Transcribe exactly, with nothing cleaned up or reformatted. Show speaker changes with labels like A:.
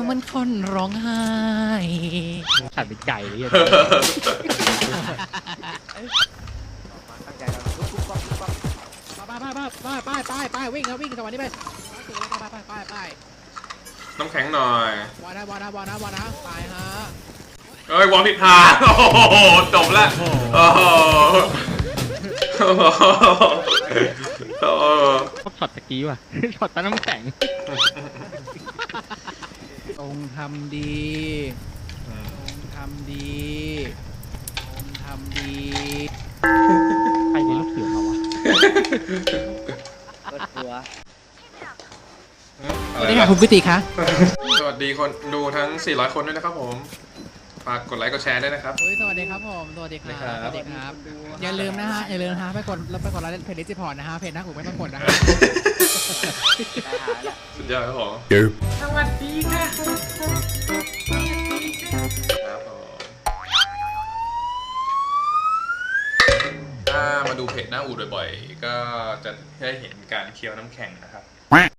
A: เหมือนคนร้องไห้ขัดเป็นไก่เลยอ่ะ
B: ตั้งใจแล้วปุ๊บปุ๊บปั๊บปุ๊บปั๊บ
A: ไปไปไปไปไปไปวิ่งครับวิ่งจังหวะนี้ไปไปไปไปไป
C: น้ำแข็งหน่อยว
A: านะวานะวานะวานะไปฮะ
C: เอ้ยวอลผิดทางโอ้โหจบละโอ้โหโอ้โหโอ้โห
A: ชอบช็อตตะกี้ว่ะ ช็อตตาน้ำแข็งองทำดีองทำดีองทำดีใครเลี้ยงลูกเสือมาวะ
B: รถทัวร์
A: สวัสดีค่ะคุณพิติคะ
C: สวัสดีคนดูทั้งสี่ร้อยคนด้วยนะครับผมฝากกดไลค์กดแชร์ด้วยนะครับ
A: เฮ้ยสวัสดีครับผมสวัสดีครับ
C: สวัสดี
A: ส
C: ครับ
A: วัสดีครับอย่าลืมนะฮะอย่าลืมนะฮะไปกดแล้วไปกดไลค์เพจดิจิพอร์ตนะฮะเพจหน้ากูไม่ต้องกดนะฮะ
B: ตายหาแล้ว
C: สุดยอดครับผม
D: สวัสดีค่ะ
C: ครับผมถ้ามาดูเพจหน้าอูดบ่อยๆก็จะได้เห็นการเคี้ยวน้ำแข็งนะครับ